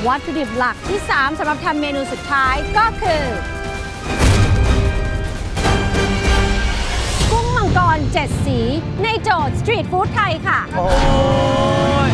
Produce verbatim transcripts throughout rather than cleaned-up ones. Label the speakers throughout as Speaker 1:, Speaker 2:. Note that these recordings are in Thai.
Speaker 1: วัตถุดิบหลักที่สามสำหรับทำเมนูสุดท้ายก็คือกุ้งมังกรเจ็ดสีในโจทย์สตรีทฟู้ดไทยค่ะโอ้ย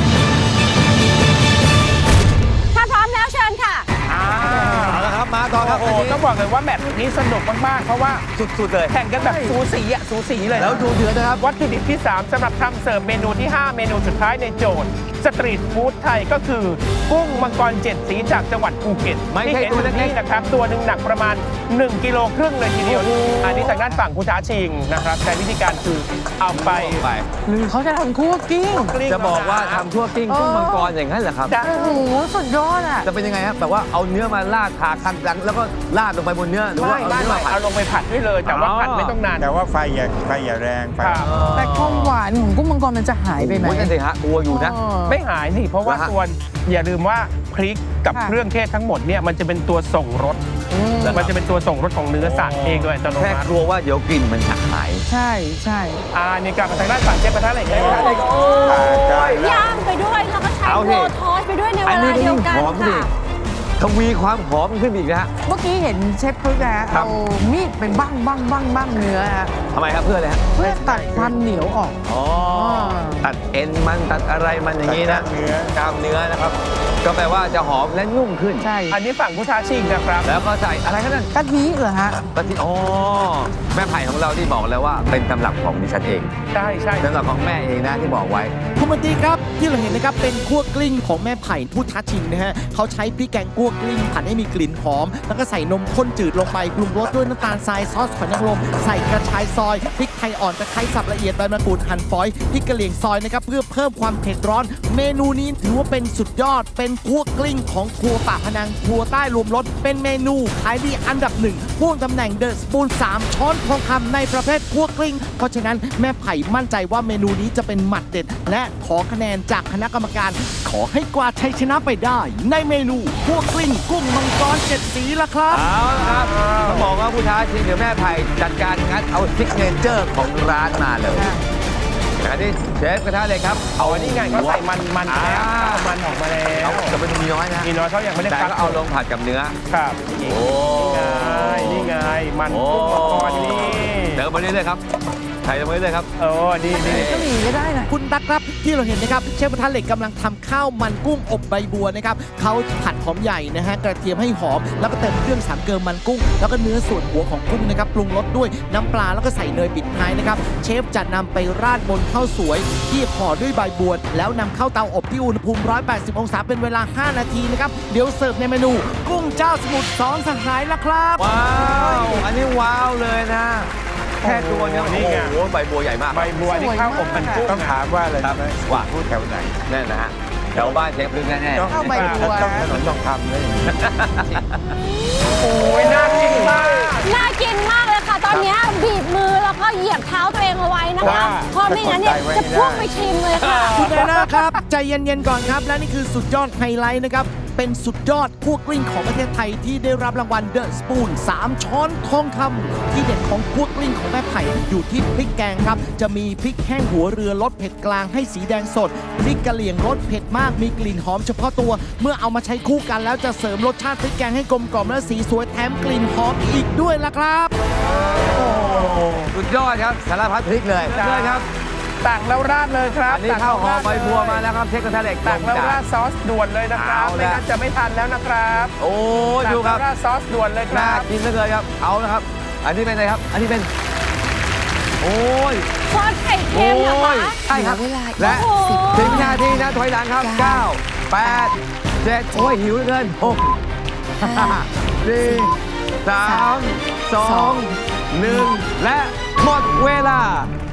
Speaker 1: ถ้าพร้อมแล้วเชิญค่ะ
Speaker 2: เอาละครับมาต่อครับโอ้ต้องบอกเลยว่าแมตช์นี้สนุกมากๆเพราะว่าสุดๆเลยแข่งกันแบบสูสีอ่ะสูสีเลยแล้วดูเดือดนะครับวัตถุดิบที่สามสำหรับทำเสิร์ฟเมนูที่ห้าเมนูสุดท้ายในโจทย์สตรีทฟู้ดไทยก็คือกุ้งมังกรเจ็ดสีจากจังหวัดภูเก็ตไม่ใช่ตัวเล็กๆนะครับตัวหนึ่งหนักประมาณหนึ่งกิโลครึ่งเลยทีเดียวอันนี้จากด้านฝั่งผู้ท้าชิงนะครับแต่วิธีการคือเอาไป
Speaker 3: หรือเขาจะทำคั่วกิ้ง
Speaker 4: จะบอกว่าทำคั่วกิ้งกุ้งมังกรอย่างนั้นเหรอครับ
Speaker 3: โอ้โหสุดยอดอ่ะ
Speaker 4: จะเป็นยังไงครับแบบว่าเอาเนื้อมาราดขาคันดังแล้วก็ราดลงไปบนเนื้อหรือว่าเอาเนื้อมาผัด
Speaker 2: เอาลงไปผัดได้เลยแต่ว่าผัดไม่ต้องนาน
Speaker 5: แต่ว่าไฟอย่าไฟอย่าแรง
Speaker 3: แต่ความหวานของกุ้งมังกรมันจะหายไปไหม
Speaker 4: นั่นสิฮะกลัวอยู่นะ
Speaker 2: ไม่หายสิเพราะว่าตัวอย่าลืมว่าพริกกับเครื่องเทศทั้งหมดเนี่ยมันจะเป็นตัวส่งรสมันจะเป็นตัวส่งรสของเนื้อสัตว์เองโดยอัตโนมัติ
Speaker 4: แค่กลัวว่าเดี๋ยวกลิ่นมันจะหาย
Speaker 3: ใช่ใช่
Speaker 2: อ่านี่กลับมาทางด้านฝั่งเชฟกระทะเหล็กเลย
Speaker 1: ย่างไปด้วยแล้วก็ใช้โรทอสไปด้วยในเวลาเดียวกันค่ะ
Speaker 4: ทวีความหอมขึ้นอีกนะฮะ
Speaker 3: เมื่อกี้เห็นเชฟพึ่งนะเอามีดเป็นบ้างบ้างบ้างบ้างเนื้อฮะ
Speaker 4: ทำไมครับเพื่ออะไรฮะ
Speaker 3: เพื่อตัดความเหนียวออก
Speaker 4: อ๋อตัดเอ็นมันตัดอะไรมันอย่างนี้นะเนื้อกล้ามเนื้อนะครับก็แปลว่าจะหอมและนุ่มขึ้น
Speaker 3: ใช่
Speaker 2: อันนี้ฝั่งผู้ท้าชิงนะครับ
Speaker 4: แล้วก็ใส่อะไรกันนั่น
Speaker 3: กะทิเหรอฮะ
Speaker 4: กะทิอ๋อแม่ไผ่ของเราที่บอกแล้วว่าเป็นตำรับของดิฉันเอง
Speaker 2: ใช่ใช่
Speaker 4: ตำรับของแม่เองนะที่บอกไว้
Speaker 6: คุณมาดีครับที่เราเห็นนะครับเป็นคั่วกลิ้งของแม่ไผ่ผู้ท้าชิงนะฮะเขาใช้พริกแกงคั่วกลิ้งผัดให้มีกลิ่นหอมแล้วก็ใส่นมข้นจืดลงไปปรุงรสด้วยน้ำตาลทรายซอสหอยนางรมใส่กระชายซอยพริกไทยอ่อนตะไคร้สับละเอียดใบมะกรูดหั่นฝอยพริกกะเหรี่ยงซอยนะครับเพื่อเพิ่มความเผ็ดร้อนเมนูนี้ถือว่าเป็นสุดยอดเป็นคั่วกลิ้งของครัวปากพนังครัวใต้รวมรสเป็นเมนูขายดีอันดับหนึ่งพ่วงตำแหน่งเดอะสปูนสามช้อนทองคำในประเภทคั่วกลิ้งเพราะฉะนั้นแม่ไผ่มั่นใจว่าเมนูนี้จะเป็นหมัดเด็ดและขอคะแนนจากคณะกรรมการขอให้กวาดชัยชนะไปได้ในเมนูคั่วกลิ้งกุ้งมังกรเจ็ดสีละครับ
Speaker 4: เอาละครับต้องบอกว่าผู้ท้าชิงเดี๋ยวแม่ไผ่จัดการงัดเอาซิกเนเจอร์ของร้านมาเลยอันนี้เชฟกระทะเลยครับ
Speaker 2: เอาอันนี้ไงเขาใส่มันมันแล้วมันออกมาแล้ว
Speaker 4: จะเป็นมีน้อยนะ
Speaker 2: มีน้อยเขายังไม่ได้
Speaker 4: แต่ก็เอาลงผัดกับเนื้อ
Speaker 2: ครับโอ้นี่ไงมันกุ้งมังกรนี่
Speaker 4: เดี๋ยวมาเรื่อยๆครับใส่ลงไปเลยครับ
Speaker 2: โอ้ดีดี
Speaker 3: ก็มีก็ได้นะ
Speaker 6: คุณตั๊กครับที่เราเห็นนะครับเชฟกระทะเหล็กกำลังทำข้าวมันกุ้งอบใบบัวนะครับเขาผัดหอมใหญ่นะฮะกระเทียมให้หอมแล้วก็เติมเครื่องสามเกลือมันกุ้งแล้วก็เนื้อส่วนหัวของกุ้งนะครับปรุงรสด้วยน้ำปลาแล้วก็ใส่เนยปิดท้ายนะครับเชฟจะนำไปราดบนข้าวสวยที่ห่อด้วยใบบัวแล้วนำเข้าเตาอบที่อุณหภูมิหนึ่งร้อยแปดสิบองศาเป็นเวลาห้านาทีนะครับเดี๋ยวเสิร์ฟในเมนูกุ้งเจ้าสมุทรสองสหายละครับ
Speaker 4: ว้าวอันนี้ว้าวเลยนะแค่ตัวเนี้ยโอ้โหใบบัวใหญ่มาก
Speaker 2: ใบบัวนี่ข้าวอบมันกุ้ง
Speaker 5: ต้องถามว่าอะไร
Speaker 4: ว่า
Speaker 5: พูดแถวไหน
Speaker 4: แน่นะฮะแถวบ้านเชฟพึ่งแน่
Speaker 3: ๆข้าวใบบัว
Speaker 5: ต้องถนนต้องทำเลย
Speaker 2: โอ้ยน่ากินมาก
Speaker 1: น่ากินมากเลยค่ะตอนนี้บีบมือแล้วก็เหยียบเท้าตัวเองเอาไว้นะคะเพราะไม่งั้นเนี่ยจะพุ่งไปชิมเลยค่ะ
Speaker 6: คุณนายนะครับใจเย็นๆก่อนครับและนี่คือสุดยอดไฮไลท์นะครับเป็นสุดยอดคั่วกลิ้งของประเทศไทยที่ได้รับรางวัลเดอะสปูนสามช้อนทองคำที่เด็ดของคั่วกลิ้งของแม่ไผ่อยู่ที่พริกแกงครับจะมีพริกแห้งหัวเรือรสเผ็ดกลางให้สีแดงสดพริกกะเหรี่ยงรสเผ็ดมากมีกลิ่นหอมเฉพาะตัวเมื่อเอามาใช้คู่กันแล้วจะเสริมรสชาติพริกแกงให้กลมกล่อมและสีสวยแถมกลิ่นหอมอีกด้วยล่ะครับ
Speaker 4: โอ้สุดยอดครับสารพัดพริกเลยเลยครับ
Speaker 2: ตักแล้วราดเลยครับ
Speaker 4: อันนี้ข้าวหอมใบบัวมาแล้วครับเชฟกระทะเหล็ก
Speaker 2: ตักแล้วราดซอสด่วนเลยนะครับไม่งั้นจะไม่ทันแล้วนะครับ
Speaker 4: โอ้ยดูครับ
Speaker 2: ราดซอสด่วนเลยครับ
Speaker 4: น่ากินเลยครับเอาละครับอันนี้เป็นอะไรครับอันนี้เป็นโอ้ย
Speaker 1: ซอสไข่เค็มเหรอคะ
Speaker 4: ใช่ครับและสิบวินาทีนะถอยหลังครับเก้าแปดเจ็ดโอ้ยหิวเหลือเกินหกสี่สามสองหนึ่งและหมดเวลา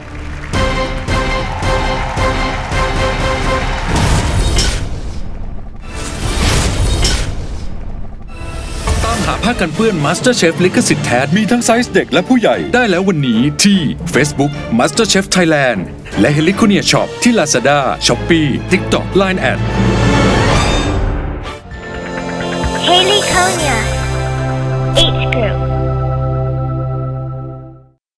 Speaker 7: ตามหาผ้ากันเปื้อน MasterChef ลิขสิทธิ์แท้มีทั้งไซส์เด็กและผู้ใหญ่ได้แล้ววันนี้ที่ Facebook MasterChef Thailand และ Heliconia Shop ที่ Lazada, Shopee, TikTok, ไลน์ แอท
Speaker 8: Heliconia